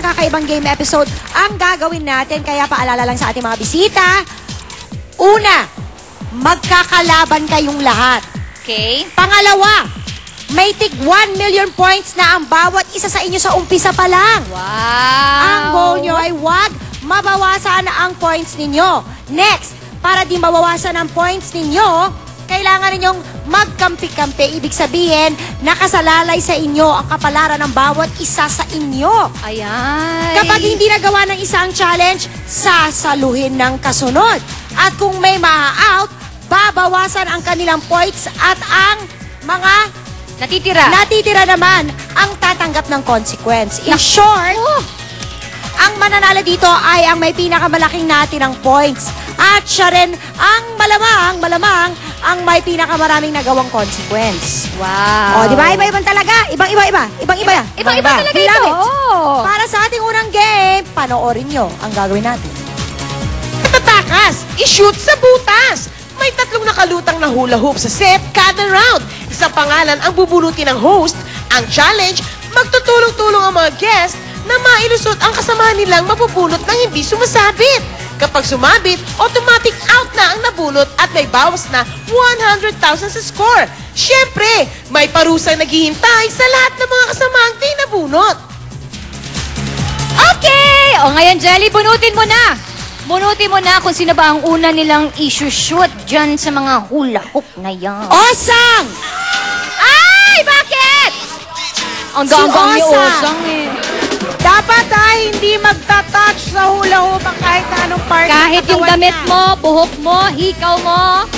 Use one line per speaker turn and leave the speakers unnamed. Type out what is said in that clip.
kakaibang game episode ang gagawin natin. Kaya paalala lang sa ating mga bisita. Una, magkakalaban kayong lahat.
Okay.
Pangalawa, may tig 1 million points na ang bawat isa sa inyo sa umpisa pa lang.
Wow.
Ang goal nyo ay wag mabawasan ang points ninyo. Next, para di mabawasan ang points ninyo, kailangan ninyong magkampi-kampi. Ibig sabihin, nakasalalay sa inyo ang kapalaran ng bawat isa sa inyo.
Ayan.
Kapag hindi nagawa ng isa ang challenge, sasaluhin ng kasunod. At kung may ma-out, babawasan ang kanilang points at ang mga natitira naman ang tatanggap ng consequence. In short, ang mananalo dito ay ang may pinakamalaking natirang points. At siya rin ang malamang ang may pinakamaraming nagawang consequence.
Wow.
O, di ba? Iba-ibang talaga. Ibang-iba.
Ibang-iba talaga ito.
Para sa ating unang game, panoorin nyo ang gagawin natin.
Tatakas, i-shoot sa butas. May 3 nakalutang na hula hoop sa set kada round. Isang pangalan ang bubulutin ng host. Ang challenge, magtutulong-tulong ang mga guest na mailusot ang kasamahan nilang mapupulot ng hindi sumasabit. Kapag sumabit, automatic out na ang nabulot at may bawas na 100,000 sa score. Siyempre, may parusang naghihintay sa lahat ng mga kasamaang di nabunot.
Okay! O ngayon, Jelly, bunutin mo na. Bunutin mo na kung sino ba ang una nilang i-shoot dyan sa mga hula hoop na yan.
Osang!
Ay! Bakit? Ang ganggang ni
Osang.
Osang eh.
Dapat hindi magta-touch sa hula hoop ang kahit na anong part.
Kahit yung damit mo, buhok mo, hikaw mo,